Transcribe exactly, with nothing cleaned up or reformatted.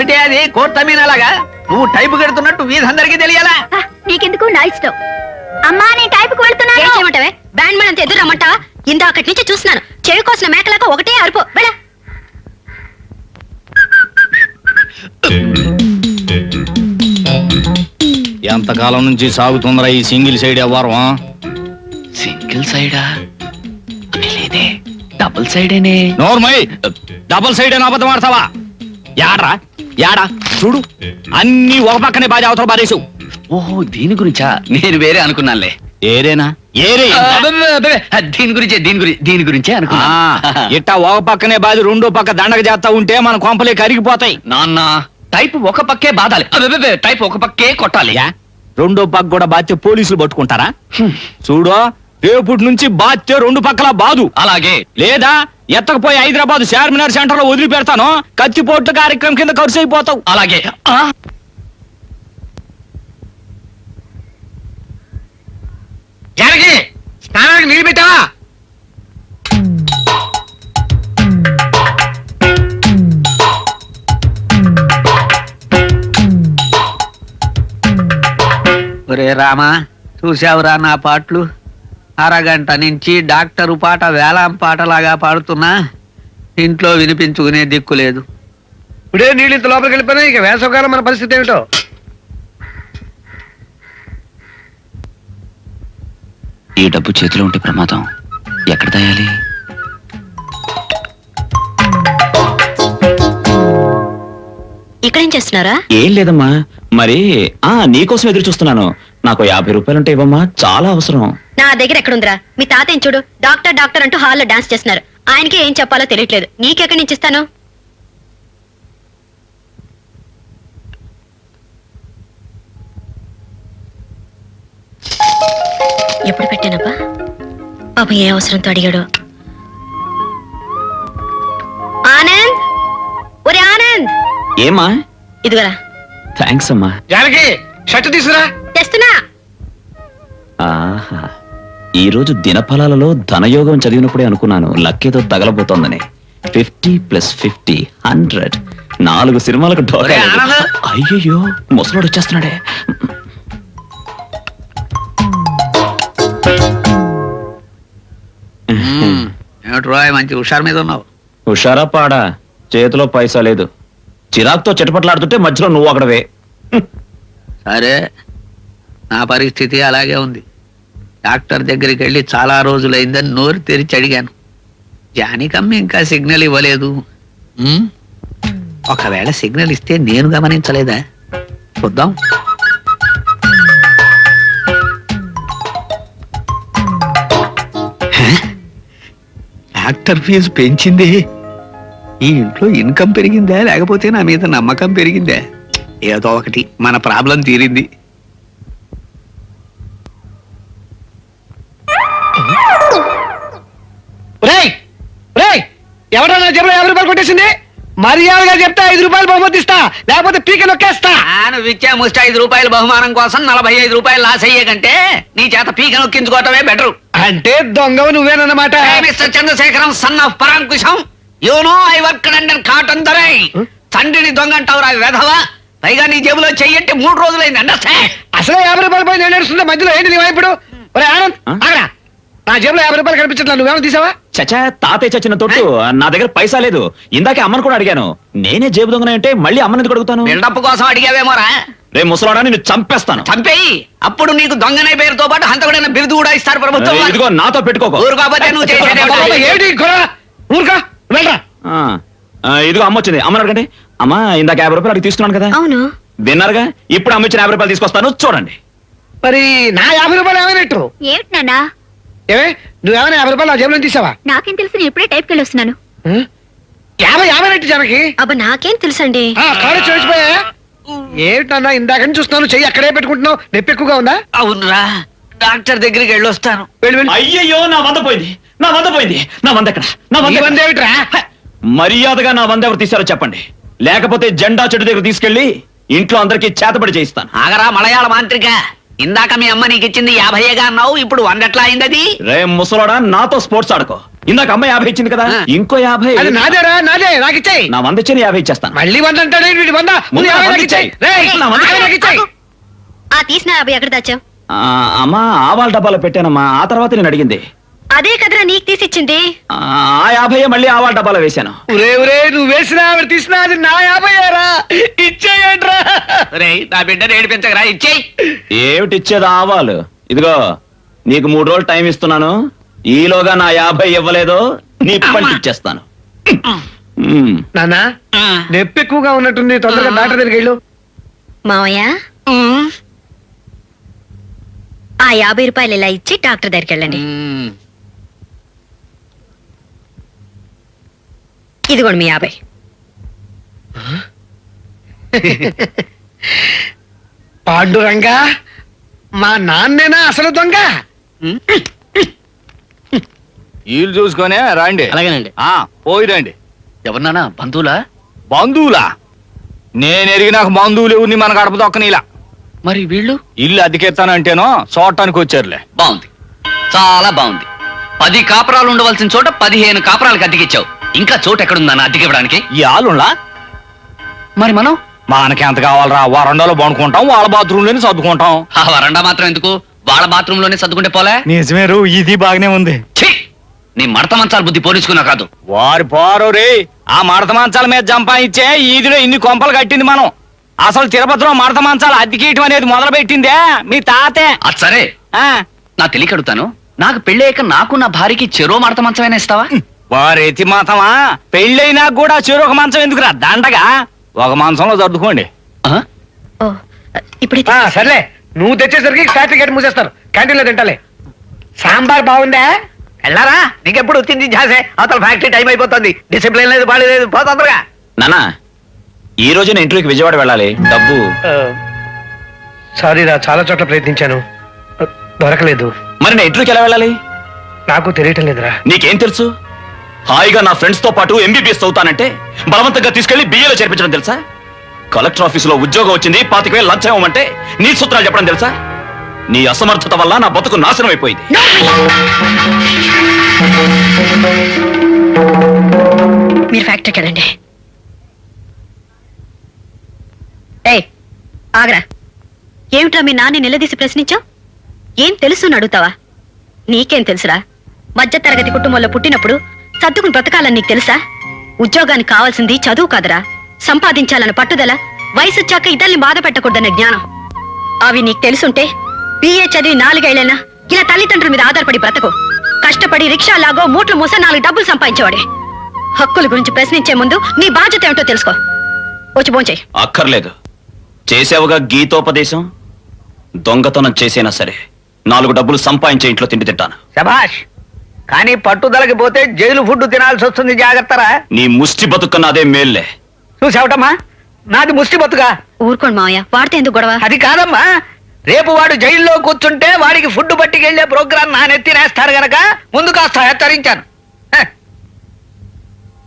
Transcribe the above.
ఏమిటి అది కోర్తమీనలాగా నువ్వు టైపు కడుతున్నట్టు వీధందరికీ తెలియాలా? నీకెందుకు నా ఇష్టం. అమ్మా నేను టైపుకు వెళ్తున్నాను. ఏం చేయమంటావే? బ్యాండ్ మేడం ఎదురు రమ్మంటావా? ఇందాకటి నుంచి చూస్తున్నాను, చెవి కోసిన మేకలాగా ఒకటే అరుపు. వెళ్ళ. ఎంతకాలం నుంచి సాగుతుందిరా ఈ సింగిల్ సైడ్ వ్యవహారం? సింగిల్ సైడా లేదే, డబుల్ సైడేనే. నోర్మై, డబుల్ సైడ్ అని అబద్ధం ఆడతావా? యాడ్రా యాడా చూడు, అన్ని ఒక పక్కనే బాధ అవతల బాధేసు. ఓహో దీని గురించా? నేను వేరే అనుకున్నానులే. ఏరేనా? ఏరే దీని గురించే దీని గురించి దీని గురించే అనుకున్నా. ఇట్టా ఒక పక్కనే బాధ రెండో పక్క దండగ చేస్తా ఉంటే మన కొంపలే కరిగిపోతాయి. నాన్న టైప్ ఒక పక్కే బాధాలి, టైప్ ఒక పక్కే కొట్టాలి. రెండో పక్క కూడా బాధ్యత పోలీసులు పట్టుకుంటారా? చూడు, రేపటి నుంచి బాధ్యత రెండు పక్కల బాదు. అలాగే. లేదా ఎత్తకపోయి హైదరాబాద్ చార్మినార్ సెంటర్ లో వదిలి పెడతాను, కత్తిపోట్ల కార్యక్రమం కింద ఖర్చు అయిపోతావు. అలాగే. జానకి, స్నానానికి నీళ్ళు పెట్టావా? ఒరే రామా, చూసావురా నా పాటలు? అరగంట నుంచి డాక్టరు పాట వేలాం పాటలాగా పాడుతున్నా ఇంట్లో వినిపించుకునే దిక్కు లేదు. ఇప్పుడే నీళ్ళు ఇంత లోపలికి వెళ్ళిపోయినా ఇక వేసవకాలం మన పరిస్థితి ఏమిటో. ఈ డబ్బు చేతిలో ఉంటే ప్రమాదం, ఎక్కడ దాయాలి? ఇక్కడేం చేస్తున్నారా? ఏం లేదమ్మా, మరి ఆ నీకోసం ఎదురు చూస్తున్నాను. నాకు యాభై రూపాయలుంటే ఇవ్వమ్మా, చాలా అవసరం. నా దగ్గర ఎక్కడుందిరా? మీ తాతయ్య చూడు, డాక్టర్ డాక్టర్ అంటూ హాల్లో డాన్స్ చేస్తున్నారు. ఆయనకి ఏం చెప్పాలో తెలియట్లేదు. నీకెక్కడి నుంచి ఇస్తాను? ఎప్పుడు పెట్టానబ్బా? పాపం ఏ అవసరంతో అడిగాడు. ఆనంద్, ఒరే ఆనంద్. ఏమా? ఇదిగోరా. థ్యాంక్స్ అమ్మా. జానకి, షర్ట్ తీసుకురా. తెస్తున్నా. ఆహా, ఈ రోజు దినఫలాలలో ధనయోగం చదివినప్పుడే అనుకున్నాను లక్కేదో తగలబోతోందని. Fifty plus fifty hundred. నాలుగు సినిమాలకు ఢోకా. అయ్యయ్యో, ముసలోడు వచ్చేస్తున్నాడే. ఏమిట్రాయ్ మంచి హుషారు మీద ఉన్నావు? హుషారా పాడా? చేతిలో పైసా లేదు. చిరాక్తో చిటపట్లాడుతుంటే మధ్యలో నువ్వు అక్కడవే. సరే, నా పరిస్థితి అలాగే ఉంది. డాక్టర్ దగ్గరికి వెళ్ళి చాలా రోజులైందని నోరు తెరిచి అడిగాను. జానికమ్మ ఇంకా సిగ్నల్ ఇవ్వలేదు. ఉమ్, ఒకవేళ సిగ్నల్ ఇస్తే నేను గమనించలేదా? చూద్దాం. డాక్టర్ ఫీజు పెంచింది. ఈ ఇంట్లో ఇన్కమ్ పెరిగిందా లేకపోతే నా మీద నమ్మకం పెరిగిందా? ఏదో ఒకటి, మన ప్రాబ్లం తీరింది. ఎవడో నా జేబులో యాభై రూపాయలు కొట్టేసింది. మర్యాదగా చెప్తా ఐదు రూపాయలు బహుమతి ఇస్తా, లేకపోతే పీక నొక్కేస్తా. నువ్వు ఇచ్చే ముష్టి ఐదు రూపాయల బహుమానం కోసం నలభై ఐదు రూపాయలు లాస్ అయ్యే కంటే నీ చేత పీక నొక్కించుకోవటమే బెటరు. అంటే దొంగవు నువ్వేనన్నమాట. Mister Chandrasekharam, son of Paramkusam. You know I work under Cotton Dorai. తండ్రిని దొంగ అంటావురా వెధవ. పైగా నీ జేబులో చెయ్యంటే మూడు రోజులైంది. అండర్స్టాండ్? అసలే యాభై రూపాయలు పోయి నేను నడుస్తుంటే మధ్యలో ఏంటి నీ వైపుడు? ఒరే ఆనంద్, ఆగరా. నా జేబులో యాభై రూపాయలు కనిపించట్లా, నువ్వేమో తీసావా? చచ్చా, తాతయ్య చచ్చిన తొట్టు. నా దగ్గర పైసా లేదు. ఇందాకే అమ్మను కూడా అడిగాను. నేనే జేబు దొంగనే అంటే మళ్ళీ అమ్మని ఎందుకు అడుగుతాను? బిల్డప్ కోసం అడిగావేమోరా? రే ముసలాడా, నిన్ను చంపేస్తాను. చంపేయి. అప్పుడు నీకు దొంగనే పేరుతో పాటు హంతకుడైన బిరుదు కూడా ఇస్తారు ప్రభుత్వం. ఇదిగో నాతో పెట్టుకోకు. ఊరు కాబట్టి నువ్వు చేసేది ఏంటి గొడవ? ఊరుకా, వెళ్ళరా. ఆ, ఆ, ఇదిగో అమ్మ వచ్చింది. అమ్మని అడగండి. అమ్మా, ఇందాక యాభై రూపాయలు అడిగి తీసుకున్నాను కదా. అవును. విన్నారుగా, ఇప్పుడు అమ్మ ఇచ్చిన యాభై రూపాయలు తీసుకొస్తాను, చూడండి. మరి నా యాభై రూపాయలు ఏమైనట్టు? ఏమిటి నాన్నా? ఏమే, నువ్వేమైనా యాభై రూపాయలు నా జేబులో తీసావా? నాకేం తెలుసు, నేను ఇప్పుడే టైప్కి వెళ్ళి వస్తున్నాను. యాభై యాభై నట్టు జనకి. అబ్బా నాకేం తెలుసండి. కాడు చూసిపోయా. ఏమిటన్నా ఇందాక నుంచి చూస్తున్నాను, చెయ్యి అక్కడే పెట్టుకుంటున్నావు. నొప్పి ఎక్కువగా ఉందా? అవునరా, డాక్టర్ దగ్గరికి వెళ్ళొస్తాను. అయ్యయ్యో, నా వంద పోయింది. నా వంద పోయింది. నా వంద ఎక్కడ? నా ఈ వంద ఏమిట్రా? మర్యాదగా నా వంద ఎవరు తీశారో చెప్పండి, లేకపోతే జెండా చెట్టు దగ్గర తీసుకెళ్లి ఇంట్లో అందరికీ చేతబడి చేయిస్తాను. ఆగరా మలయాళ మాంత్రిక. ఇందాక మీ అమ్మ నీకు ఇచ్చింది యాభైగా అన్నావు ఇప్పుడు వంద ఎట్లా అయింది అది రే ముసలోడా నాతో స్పోర్ట్స్ ఆడుకో ఇందాక అమ్మాయి యాభై ఇచ్చింది కదా ఆ. ఇంకో యాభై అది నాదేరా నాదే నాకు ఇచ్చాయి నా వంద ఇచ్చిన యాభై ఇచ్చేస్తాను మళ్ళీ వంద అంటాడే వీడి వంద ముందు ముందు యాభై వంద నాకు ఇచ్చేయ్. ఇచ్చేయ్. రేయ్, నా వంద యాభై నాకు ఇచ్చేయ్. ఆ తీసిన యాభై ఎక్కడ దాచావు? ఆ, అమ్మా ఆవాల డబ్బాలో పెట్టానమ్మా ఆ తర్వాత నేను అడిగింది అదే కదరా నీకు తీసిచ్చింది. ఆ ఆ యాభై మళ్ళీ ఆవాల డబ్బాలో వేశాను ఒరే ఒరే నువ్వు వేసిన ఆవిడ తీసినా అది నా యాభై ఏరా ఇచ్చేయంట్రా రేయ్ నా బిడ్డను ఏడిపించగరా ఇచ్చేయి ఏమిటి ఇచ్చేది ఆవాలు ఇదిగో నీకు మూడు రోజులు టైం ఇస్తున్నాను ఈలోగా నా యాభై ఇవ్వలేదు నీ పంట ఇచ్చేస్తాను ఉమ్. నాన్న నొప్పి ఎక్కువగా ఉన్నట్టుంది తొందరగా డాక్టర్ దగ్గరికి వెళ్ళు మావయ్య ఆ యాభై రూపాయలు ఇలా ఇచ్చి డాక్టర్ దగ్గరికి వెళ్ళండి. ఇదిగోండి మీ యాభై. పాండురంగా మా నాన్నేనా అసలు దొంగ వీళ్ళు చూసుకొనే రండి. అలాగేనండి. ఆ పోయి రండి. ఎవరినానా బంధువులా బంధువులా? నేను ఎరిగినాక బంధువులు ఎవరిని మన గడప దొక్కనిలా. మరి వీళ్ళు ఇల్లు అద్దెకెత్తానంటేనో చూడటానికి వచ్చారులే. బాగుంది చాలా బాగుంది పది కాపురాలు ఉండవలసిన చోట పదిహేను కాపురాలకు అద్దెకిచ్చావు ఇంకా చోటు ఎక్కడుందన్న అద్దెకివ్వడానికి ఈ ఆలుండ్లా మరి మనం మనకి ఎంత కావాలరా? వరండాలో పండుకుంటాం, వాళ్ళ బాత్రూమ్ లోనే సర్దుకుంటాం. ఆ వరండా మాత్రం ఎందుకు వాళ్ళ బాత్రూమ్ లోనే సర్దుకుంటే పోలే నిజమేరు, ఇది బాగానే ఉంది. ఛీ! నీ మడత మంచాల బుద్ధి పోలీసుకున్నా కాదు వారి పోరు రే, ఆ మడత మంచాల మీద జంపాయిచ్చే ఈదిలో ఇన్ని కొంపలు కట్టింది మనం. అసలు తిరుపతిలో మడత మంచాలు అద్దెకేయటం అనేది మొదలు పెట్టిందే మీ తాతే. అది సరే ఆ, నా తెలియక అడుగుతాను నాకు పెళ్ళయ్యాక నాకు నా భార్యకి చెరో మడత మంచమైనా ఇస్తావా వారి ఎతి మాతమా పెళ్ళైనా కూడా చెరొక మంచం ఎందుకురా దండగా ఒక మంచంలో సర్దుకోండి. ఆ? ఓ ఇప్పుడే ఆ, సర్లే నువ్వు తెచ్చేసరికి ఫ్యాక్టరీ గేట్ మూసేస్తారు క్యాంటీన్ లో తింటాలే సాంబార్ బాగుందా వెళ్ళారా నీకెప్పుడు వచ్చింది జాసే అవతల ఫ్యాక్టరీ టైం అయిపోతుంది డిసిప్లిన్ లేదు బాడీ లేదు పో తొందరగా నానా ఈ రోజు నేను ఇంటర్వ్యూకి విజయవాడ వెళ్ళాలి డబ్బు సారీ రా చాలా చోట్ల ప్రయత్నించాను దొరకలేదు మరి నేను ఇంటర్వ్యూకి ఎలా వెళ్ళాలి నాకు తెలియటం లేదురా నీకేం తెలుసు హాయిగా నా ఫ్రెండ్స్ తో పాటు ఎంబీబీఎస్ చదువుతానంటే బలవంతంగా తీసుకెళ్లి బిఏలో చేర్పించడం తెలుసా కలెక్టర్ ఆఫీసులో ఉద్యోగం వచ్చింది పాతిక వేలు లంచం ఇవ్వమంటే నీ సూత్రాలు చెప్పడం తెలుసా నీ అసమర్థత వల్ల నా బతుకు నాశనం అయిపోయింది మీరు ఫ్యాక్టరీకి వెళ్ళండి. ఏయ్ ఆగరా, ఏమిట్రా మీ నాన్న నిలదీసి ప్రశ్నించావు? ఏం తెలుసు అడుగుతావా? నీకేం తెలుసురా? మధ్య తరగతి కుటుంబంలో పుట్టినప్పుడు సర్దుకుని బ్రతకాలని నీకు తెలుసా? ఉద్యోగానికి కావాల్సింది చదువు కాదురా, సంపాదించాలన్న పట్టుదల, వయసు వచ్చాక ఇతరుల్ని బాధ పెట్టకూడదన్న జ్ఞానం. అవి నీకు తెలుసుంటే బిఏ చదివి నాలుగేళ్లైనా ఇలా తల్లిదండ్రుల మీద ఆధారపడి బ్రతకు. కష్టపడి రిక్షా లాగో మూట్లు మూస నాలుగు డబ్బులు సంపాదించేవాడే. హక్కుల గురించి ప్రశ్నించే ముందు నీ బాధ్యత ఏమిటో తెలుసుకో. వచ్చి భోంచేయ్. అక్కర్లేదు చేసావుగా గీతోపదేశం దొంగతనం చేసైనా సరే నాలుగు డబ్బులు సంపాదించే ఇంట్లో తిండి తింటాను శభాష్ కానీ పట్టుదలకి పోతే జైలు ఫుడ్ తినాల్సి వస్తుంది జాగ్రత్తరా నీ ముష్టి బతుకన్న అదే మేల్లే చూసావటమ్మా నాది ముష్టి బతుగా ఊరుకోండి మావయ్య, వాడితే ఎందుకు గొడవ? అది కాదమ్మా రేపు వాడు జైల్లో కూర్చుంటే వాడికి ఫుడ్ పట్టుకెళ్లే ప్రోగ్రాం నా నెత్తినేస్తారు గనక ముందు కాస్త హెచ్చరించాను హ,